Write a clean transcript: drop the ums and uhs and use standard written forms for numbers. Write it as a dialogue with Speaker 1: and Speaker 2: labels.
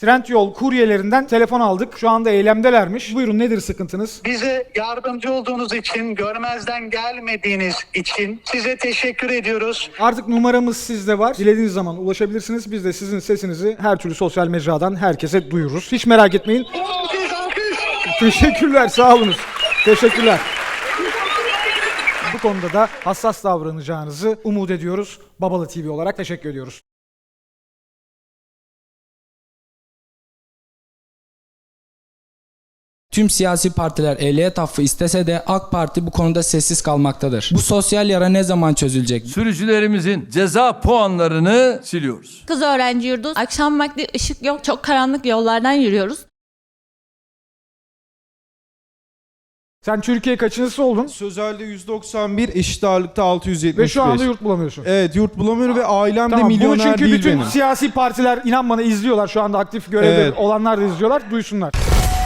Speaker 1: Trendyol kuryelerinden telefon aldık. Şu anda eylemdelermiş. Buyurun, nedir sıkıntınız?
Speaker 2: Bize yardımcı olduğunuz için, görmezden gelmediğiniz için size teşekkür ediyoruz.
Speaker 1: Artık numaramız sizde var. Dilediğiniz zaman ulaşabilirsiniz. Biz de sizin sesinizi her türlü sosyal mecradan herkese duyururuz. Hiç merak etmeyin.
Speaker 2: Alkış, alkış.
Speaker 1: Teşekkürler, sağ olunuz. Teşekkürler. Bu konuda da hassas davranacağınızı umut ediyoruz. Babala TV olarak teşekkür ediyoruz.
Speaker 3: Tüm siyasi partiler ehliyet affı istese de AK Parti bu konuda sessiz kalmaktadır. Bu sosyal yara ne zaman çözülecek?
Speaker 4: Sürücülerimizin ceza puanlarını siliyoruz.
Speaker 5: Kız öğrenci yurdu. Akşam vakti ışık yok. Çok karanlık yollardan yürüyoruz.
Speaker 1: Sen Türkiye kaçıncısı oldun?
Speaker 6: Sözelde 191, eşit ağırlıkta 675.
Speaker 1: Ve şu anda yurt bulamıyorsun.
Speaker 6: Evet, yurt bulamıyorum ve ailem de
Speaker 1: Tamam, bunu
Speaker 6: milyoner
Speaker 1: çünkü
Speaker 6: değil
Speaker 1: bütün
Speaker 6: benim.
Speaker 1: siyasi partiler inan bana izliyorlar. Şu anda aktif görevde
Speaker 6: Evet.
Speaker 1: olanlar da izliyorlar. Duysunlar.